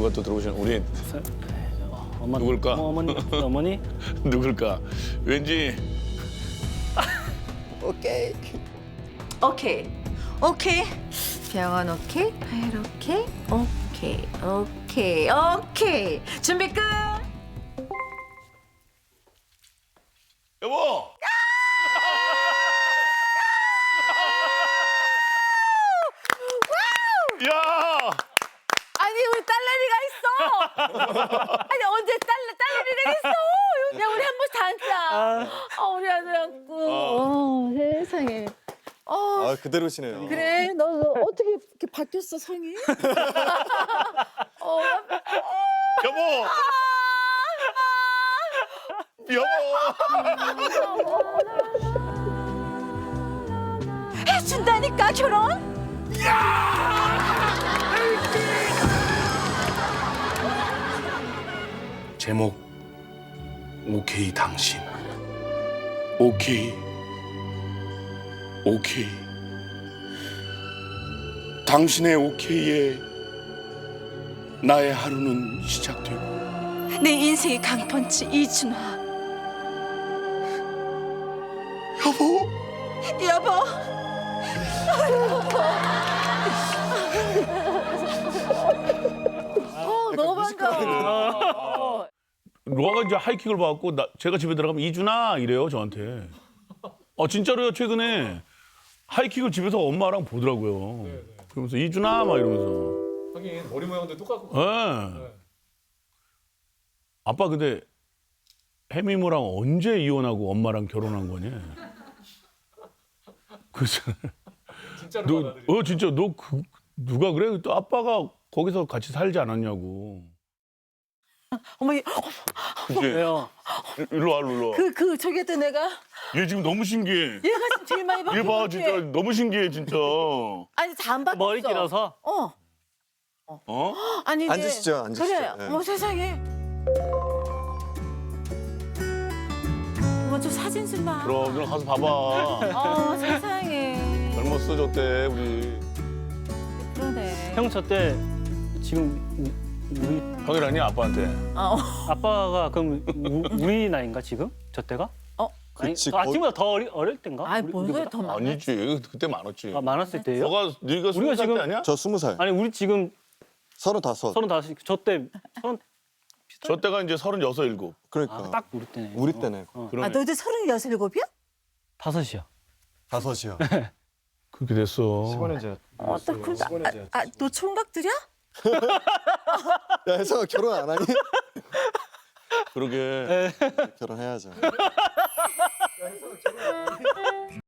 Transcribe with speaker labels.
Speaker 1: 누가 또 들어오신 우리
Speaker 2: 어머니.
Speaker 1: 누굴까?
Speaker 2: 어머니?
Speaker 1: 누굴까? 왠지
Speaker 3: 오케이.
Speaker 4: 오케이. 오케이. 병원 오케이. 파일 오케이. 오케이. 오케이. 오케이. 준비 끝.
Speaker 1: 여보. 야!
Speaker 4: 아니 우리 딸내미가 있어. 아니 언제 딸내미가 있어. 야 우리 한 번씩 다 앉자. 우리 아들 안고. 세상에.
Speaker 3: 아 그대로시네요.
Speaker 4: 그래 너 어떻게 이렇게 바뀌었어 성이?
Speaker 1: 여보. 여보.
Speaker 4: 해준다니까 결혼?
Speaker 1: 제목 오케이 당신. 오케이. 오케이. 당신의 오케이에 나의 하루는 시작되고
Speaker 4: 내 인생의 강펀치 이준화.
Speaker 1: 여보.
Speaker 4: 여보. 너무 반가워.
Speaker 1: 로아가 이제 하이킥을 받고 제가 집에 들어가면 이준아 이래요 저한테. 진짜로요. 최근에 하이킥을 집에서 엄마랑 보더라고요. 그러면서 이준아 막 이러면서.
Speaker 5: 하긴 머리 모양도 똑같고.
Speaker 1: 네. 아빠 근데 해미모랑 언제 이혼하고 엄마랑 결혼한 거냐? 그래서
Speaker 5: 진짜로 받아들이.
Speaker 1: 진짜 누가 그래? 또 아빠가 거기서 같이 살지 않았냐고.
Speaker 4: 어머니
Speaker 1: 그치?
Speaker 2: 왜요?
Speaker 1: 일로 와, 일로 와.
Speaker 4: 저기 했던 애가
Speaker 1: 얘 지금 너무 신기해.
Speaker 4: 얘가 지금 제일 많이 바뀐
Speaker 1: 얘
Speaker 4: 것
Speaker 1: 봐,
Speaker 4: 같아.
Speaker 1: 진짜 너무 신기해, 진짜.
Speaker 4: 아니 다 안 바뀌었어.
Speaker 2: 머리 길어서?
Speaker 1: 어?
Speaker 4: 아니 이제
Speaker 3: 앉으시죠, 앉으시죠.
Speaker 4: 그래.
Speaker 3: 네.
Speaker 4: 어머 세상에. 어머 저 사진 좀 봐.
Speaker 1: 그럼 누나 가서 봐봐.
Speaker 4: 세상에.
Speaker 1: 젊었어, 저때 우리.
Speaker 4: 그러네.
Speaker 2: 형 저 때 지금 우리
Speaker 1: 형이라니 아빠한테.
Speaker 2: 아빠가 그럼 우리 나이인가 지금? 저 때가?
Speaker 3: 그치,
Speaker 2: 아니, 지금보다 더 어릴 때인가?
Speaker 4: 아니 뭔데 더 많아.
Speaker 1: 아니지, 그때 많았지.
Speaker 2: 많았을 때예요?
Speaker 1: 네가
Speaker 2: 우리가
Speaker 1: 20살
Speaker 2: 지금-
Speaker 1: 때 아니야?
Speaker 3: 저 20살.
Speaker 2: 아니 우리 지금
Speaker 3: 35.
Speaker 2: 35, 저때
Speaker 1: 저 때가 이제 36, 7.
Speaker 3: 그러니까.
Speaker 2: 딱 우리 때네.
Speaker 3: 우리 때네.
Speaker 1: 그러네.
Speaker 4: 너희들 36이야?
Speaker 2: 5이야.
Speaker 3: 5이요.
Speaker 1: 그렇게 됐어.
Speaker 5: 15년 전.
Speaker 4: 너 총각들이야?
Speaker 3: 야 혜성아 결혼 안 하니?
Speaker 1: 그러게.
Speaker 3: 결혼해야죠.